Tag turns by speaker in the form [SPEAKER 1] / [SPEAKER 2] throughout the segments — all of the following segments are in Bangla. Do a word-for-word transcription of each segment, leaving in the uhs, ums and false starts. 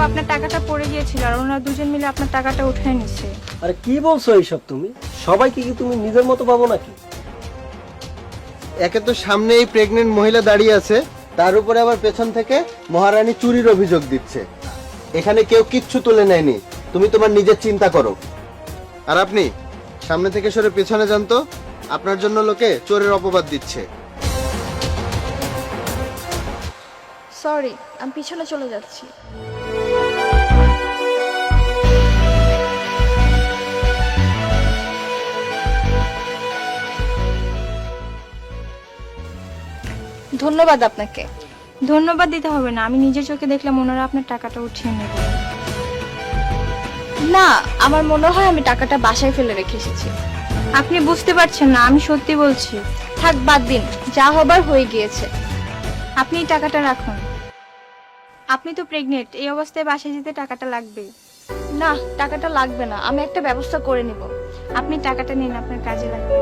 [SPEAKER 1] আপনার টাকাটা পড়ে গিয়েছিল আর ওনারা দুজন মিলে আপনার টাকাটা উঠিয়ে নিচ্ছে।
[SPEAKER 2] আরে কি বলছো এইসব তুমি? সবাইকে কি তুমি নিজের মতো ভাবো নাকি?
[SPEAKER 3] একে তো সামনে এই প্রেগনেন্ট মহিলা দাঁড়িয়ে আছে, তার উপরে আবার পেছন থেকে মহারানী চুরির অভিযোগ দিচ্ছে। এখানে কেউ কিচ্ছু তুলে নেয়নি, তুমি তোমার নিজের চিন্তা করো। আর আপনি সামনে থেকে সরে পেছনে যান তো, আপনার জন্য লোকে চোরের অপবাদ দিচ্ছে।
[SPEAKER 4] সরি, আমি পিছনে চলে যাচ্ছি। ধন্যবাদ আপনাকে।
[SPEAKER 1] ধন্যবাদ দিতে হবে না, আমি নিজের চোখে দেখলাম ওনারা আপনার টাকাটা উঠিয়ে নেবে।
[SPEAKER 4] না, আমার মনে হয় আমি টাকাটা বাসায় ফেলে রেখে এসেছি।
[SPEAKER 1] আপনি বুঝতে পারছেন না, আমি সত্যি বলছি।
[SPEAKER 4] থাক, বাদ দিন, যা হবার হয়ে গিয়েছে।
[SPEAKER 1] আপনি এই টাকাটা রাখুন। আপনি তো প্রেগনেন্ট, এই অবস্থায় বাসায় যেতে টাকাটা লাগবে।
[SPEAKER 4] না, টাকাটা লাগবে না, আমি একটা ব্যবস্থা করে নিব।
[SPEAKER 1] আপনি টাকাটা নিন, আপনার কাজে লাগবে।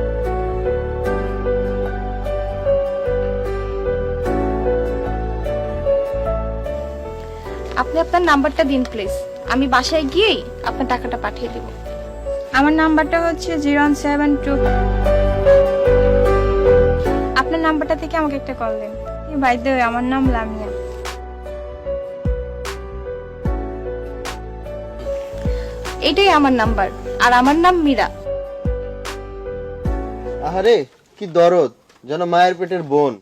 [SPEAKER 4] আপনি আপনার নাম্বারটা দিন প্লিজ, আমি বাসায় গিয়েই আপনার টাকাটা পাঠিয়ে দেব।
[SPEAKER 1] আমার নাম্বারটা হচ্ছে জিরো সেভেন টু। আপনার নাম্বারটা থেকে আমাকে একটা কল দেন। বাই দ্য ওয়ে, আমার নাম লামিয়া।
[SPEAKER 4] এটাই আমার নাম্বার, আর আমার নাম মীরা।
[SPEAKER 3] আহারে কি দরদ, যেন মায়ের পেটের বোন।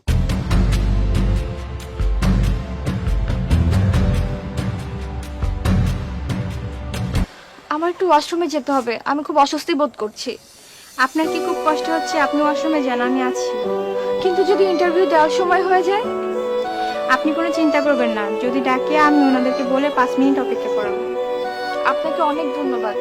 [SPEAKER 4] আমার একটু ওয়াশরুমে যেতে হবে, আমি খুব অস্বস্তি বোধ করছি।
[SPEAKER 1] আপনার কি খুব কষ্ট হচ্ছে? আপনি ওয়াশরুমে যান, আমি আছি।
[SPEAKER 4] কিন্তু যদি ইন্টারভিউ দেওয়ার সময় হয়ে যায়?
[SPEAKER 1] আপনি কোনো চিন্তা করবেন না, যদি ডাকে আমি ওনাদেরকে বলে পাঁচ মিনিট অপেক্ষা করাবো।
[SPEAKER 4] আপনাকে অনেক ধন্যবাদ।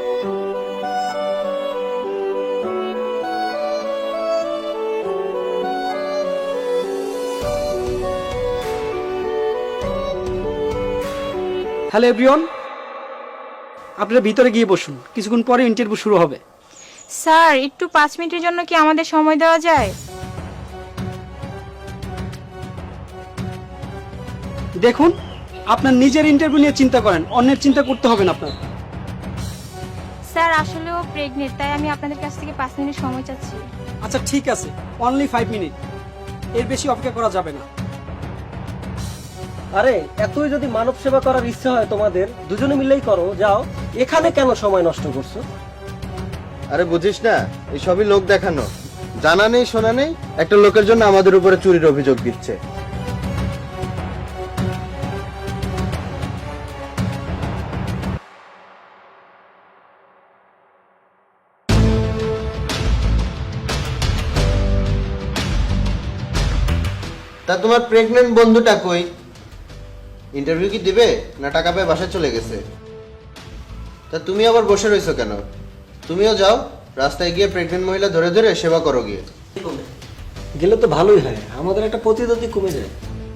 [SPEAKER 5] হ্যালো এভরিওয়ান, আপনারা ভিতরে গিয়ে বসুন, কিছুক্ষণ পরে ইন্টারভিউ শুরু হবে।
[SPEAKER 1] স্যার, একটু পাঁচ মিনিটের জন্য কি আমাদের সময় দেওয়া যায়?
[SPEAKER 5] দেখুন, আপনার নিজের ইন্টারভিউ নিয়ে চিন্তা করেন, অন্যের চিন্তা করতে হবে না আপনার।
[SPEAKER 1] স্যার, আসলে ও প্রেগনেন্ট, তাই আমি আপনাদের কাছ থেকে পাঁচ মিনিট সময় চাচ্ছি।
[SPEAKER 5] আচ্ছা ঠিক আছে, অনলি ফাইভ মিনিট, এর বেশি অপেক্ষা করা যাবে না।
[SPEAKER 2] আরে এতই যদি মানব সেবা করার ইচ্ছে হয় তোমাদের, দুজনে মিলেই করো, যাও। এখানে কেন সময় নষ্ট করছো?
[SPEAKER 3] আরে বুঝিস না, এই সবই লোক দেখানো। জানা নেই শোনা নেই, একটা লোকের জন্য আমাদের উপরে চুরির অভিযোগ দিচ্ছে। তা তোমার প্রেগনেন্ট বন্ধুটা কই? ইন্টারভিউ কি দিবে না টাকা পেয়ে বাসায় চলে গেছে? তা তুমি আবার বসে রইছো কেন? তুমিও যাও, রাস্তায় গিয়ে প্রেগনেন্ট মহিলা ধরে ধরে সেবা করো গিয়ে।
[SPEAKER 2] গেলে তো ভালোই হয়, আমাদের একটা প্রতিদ্বন্দ্বী কমে যায়।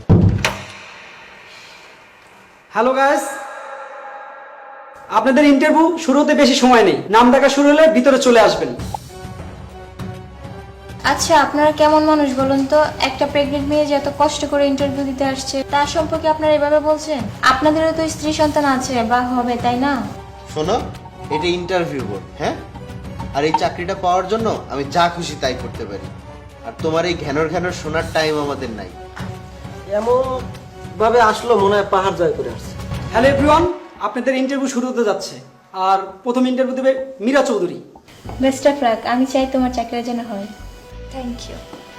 [SPEAKER 5] হ্যালো গাইস, আপনাদের ইন্টারভিউ শুরু হতে বেশি সময় নেই, নাম ডাকা শুরু হলে ভিতরে চলে আসবেন।
[SPEAKER 4] আচ্ছা, আপনারা কেমন মানুষ বলুন তো? একটা প্রেগনেন্ট মেয়ে যে এত কষ্ট করে ইন্টারভিউ দিতে আসছে, তার সম্পর্কে আপনারা এভাবে বলছেন? আপনাদেরও তো স্ত্রী সন্তান আছে বা হবে, তাই না?
[SPEAKER 3] শোনো, এটা ইন্টারভিউ বোর্ড, হ্যাঁ? আর এই চাকরিটা পাওয়ার জন্য আমি যা খুশি তাই করতে পারি। আর তোমার এই ঘ্যানর ঘ্যানর শোনার টাইম আমাদের নাই।
[SPEAKER 2] এমন ভাবে আসলো মনে হয় পাহাড় জয় করে আসছে।
[SPEAKER 5] হ্যালো এভরিওয়ান, আপনাদের ইন্টারভিউ শুরু হতে যাচ্ছে, আর প্রথম ইন্টারভিউ দেবে Meera Chowdhury.
[SPEAKER 1] Best of luck, আমি চাই তোমার চাকরিটা যেন হয়।
[SPEAKER 4] Thank you.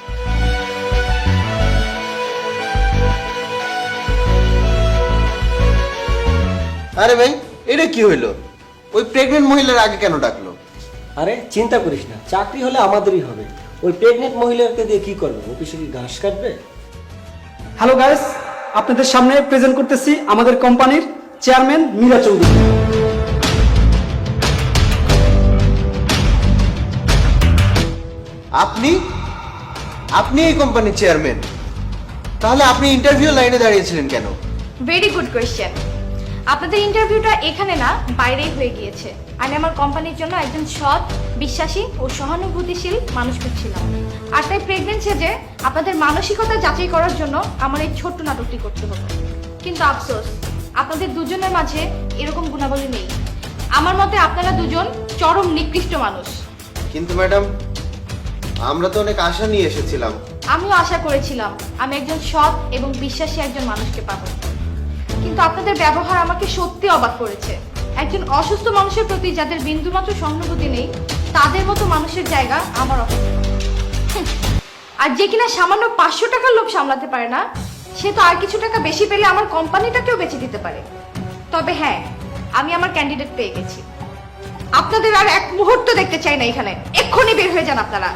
[SPEAKER 3] আরে ভাই, এটা কি হইলো? ওই প্রেগনেন্ট মহিলার আগে কেন ডাকলো?
[SPEAKER 2] আরে চিন্তা করিস না, চাকরি হলে আমাদেরই হবে। ওই প্রেগনেন্ট মহিলাকে দিয়ে কি করবে? অফিসে কি ঘাস কাটবে?
[SPEAKER 5] হ্যালো গাইস, আপনাদের সামনে প্রেজেন্ট করতেছি আমাদের কোম্পানির চেয়ারম্যান মীরা চৌধুরী।
[SPEAKER 3] আপনি আপনি এই কোম্পানির চেয়ারম্যান? তাহলে আপনি ইন্টারভিউ লাইনে দাঁড়িয়েছিলেন কেন?
[SPEAKER 4] Very good question. আপনাদের ইন্টারভিউটা এখানে না, বাইরেই হয়ে গিয়েছে। আমি আমার কোম্পানির জন্য একজন সৎ, বিশ্বাসী ও সহানুভূতিশীল মানুষ খুঁজছিলাম। আর তাই প্রেগনেন্ট সেজে আপনাদের মানসিকতা যাচাই করার জন্য আমার এই ছোট্ট নাটকটি করতে হলো। কিন্তু আফসোস, আপনাদের দুজনের মাঝে এরকম গুণাবলী নেই। আমার মতে আপনারা দুজন চরম নিকৃষ্ট মানুষ।
[SPEAKER 3] কিন্তু ম্যাডাম, আমরা তো অনেক আশা নিয়ে এসেছিলাম।
[SPEAKER 4] আমিও আশা করেছিলাম আমি একজন সৎ এবং বিশ্বাসী একজন মানুষকে পাবো, কিন্তু আপনাদের ব্যবহার আমাকে সত্যি অবাক করেছে। একজন অসুস্থ মানুষের প্রতি যাদের বিন্দুমাত্র সহানুভূতি নেই, তাদের মতো মানুষের জায়গা আমার অফিসে। হুঁ, আর যে কিনা সামান্য পাঁচশো টাকার লোভ সামলাতে পারে না, সে তো আর কিছু টাকা বেশি পেলে আমার কোম্পানিটাকেও বেঁচে দিতে পারে। তবে হ্যাঁ, আমি আমার ক্যান্ডিডেট পেয়ে গেছি। আপনাদের আর এক মুহূর্ত দেখতে চাই না এখানে। এক্ষুনি বের হয়ে যান আপনারা।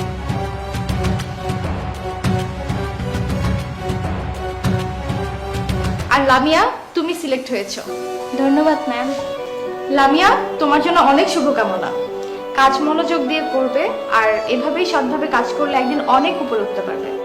[SPEAKER 4] আর লামিয়া, তুমি সিলেক্ট হয়েছো।
[SPEAKER 1] ধন্যবাদ ম্যাম।
[SPEAKER 4] লামিয়া, তোমার জন্য অনেক শুভকামনা। কাজ মনোযোগ দিয়ে করবে আর এভাবেই সৎভাবে কাজ করলে একদিন অনেক উপরে উঠতে পারবে।